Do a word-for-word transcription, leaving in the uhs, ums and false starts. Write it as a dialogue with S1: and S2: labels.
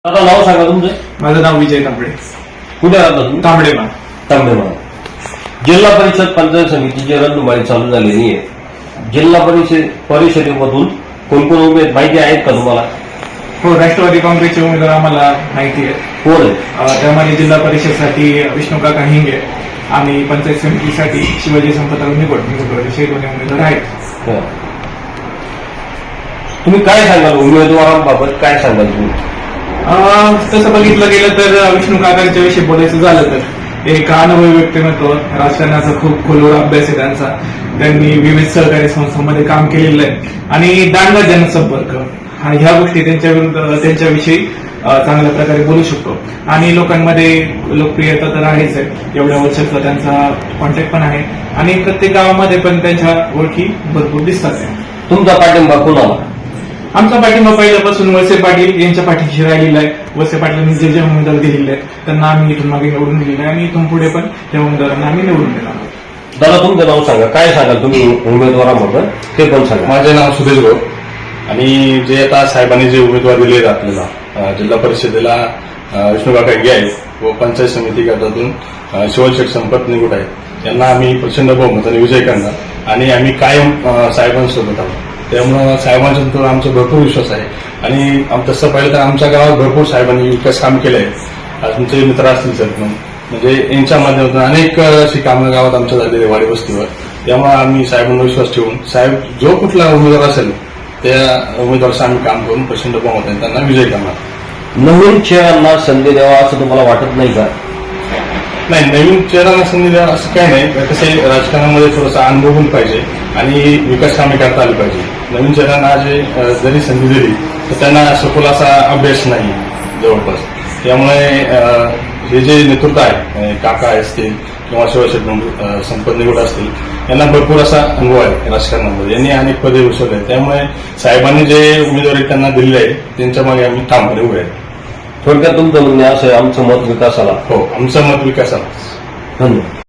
S1: आता नाव सांगा तुमचं.
S2: माझं नाव विजय तांबडे.
S1: कुठे राहता तुम्ही?
S2: तांबडेमा.
S1: तांबडेमा. जिल्हा परिषद पंचायत समितीची रणधुमाळी चालू झालेली आहे. जिल्हा परिषद परिषदेमधून कोण कोण उमेद माहिती आहेत का तुम्हाला?
S2: हो, राष्ट्रवादी काँग्रेसचे उमेदवार आम्हाला माहिती आहे.
S1: कोण आहे?
S2: त्यामध्ये जिल्हा परिषदसाठी विष्णुकाका हिंगे आणि पंचायत समितीसाठी शिवाजी संपतराव निकोट हे दोन्ही उमेदवार आहेत.
S1: हो. तुम्ही काय सांगाल उमेदवारांबाबत? काय सांगाल तुम्ही?
S2: तसं बघितलं गेलं तर विष्णू काकांच्या विषयी बोलायचं झालं तर एक अनुभवी व्यक्तिमत्व, राजकारणाचा खूप खोलवर अभ्यास आहे त्यांचा. त्यांनी विविध सहकारी संस्थांमध्ये काम केलेलं आहे आणि दांडगा जनसंपर्क आणि ह्या गोष्टी त्यांच्या विरुद्ध त्यांच्याविषयी चांगल्या प्रकारे बोलू शकतो. आणि लोकांमध्ये लोकप्रियता तर आहेच आहे, एवढ्या वर्षाचा त्यांचा कॉन्टॅक्ट पण आहे आणि प्रत्येक गावामध्ये पण त्यांच्या ओळखी भरपूर दिसतात.
S1: तुमचा पाठिंबा कोणाला?
S2: आमचा पाठिंबा पहिल्यापासून वळसे पाटील यांच्या पाठीशी राहिलेला आहे. वळसे पाटलांनी जे जे उमेदवार दिलेले आहेत त्यांना आम्ही इथून मागे निवडून दिलेलं आहे आणि इथून पुढे पण त्या उमेदवारांना आम्ही निवडून देणार आहोत.
S1: दादा तुमचं नाव सांगा. काय सांगाल तुम्ही उमेदवारांबद्दल ते पण सांगा.
S3: माझे नाव सुदेश गो आणि जे आता साहेबांनी जे उमेदवार दिले आहेत आपल्याला जिल्हा परिषदेला विष्णुकाका हिंगे आहेत व पंचायत समिती गटातून शिवशेठ संपत निकोट आहेत यांना आम्ही प्रचंड बहुमताने विजय करणार आणि आम्ही कायम साहेबांसोबत आहोत. त्यामुळं साहेबांच्यानंतर आमचा भरपूर विश्वास आहे आणि तसं पाहिलं तर आमच्या गावात भरपूर साहेबांनी विकास काम केलं आहे. आज तुमचे मित्र असतील सर म्हणजे यांच्या माध्यमातून अनेक अशी कामं गावात आमच्या झालेली वाडी वस्तीवर. त्यामुळे आम्ही साहेबांना विश्वास ठेवून साहेब जो कुठला उमेदवार असेल त्या उमेदवाराचं आम्ही काम करून प्रचंड बहुमताने त्यांना विजय करणार.
S1: नवीन चेहऱ्यांना संधी द्यावा असं तुम्हाला वाटत नाही का?
S3: नाही, नवीन चेहऱ्यांना संधी द्यावा असं काही नाही. कसं आहे, राजकारणामध्ये थोडासा अनुभव पण पाहिजे आणि विकास कामे करता आली पाहिजे. नवीन चेहऱ्यांना जे जरी संधी दिली तर त्यांना सखोल असा अभ्यास नाही जवळपास. त्यामुळे हे जे नेतृत्व आहे, काका असतील किंवा शिवशेठ संपत निकोट असतील, यांना भरपूर असा अनुभव आहे राजकारणामध्ये. यांनी अनेक पदे भूषवले. त्यामुळे साहेबांनी जे उमेदवारी त्यांना दिलेली आहे त्यांच्या मागे आम्ही ठामपणे उभे आहे.
S1: थोडक्यात तुमचं म्हणणे असं आहे, आमचं मत विकासाला.
S3: हो, आमचं मत विकासाला.
S1: धन्यवाद.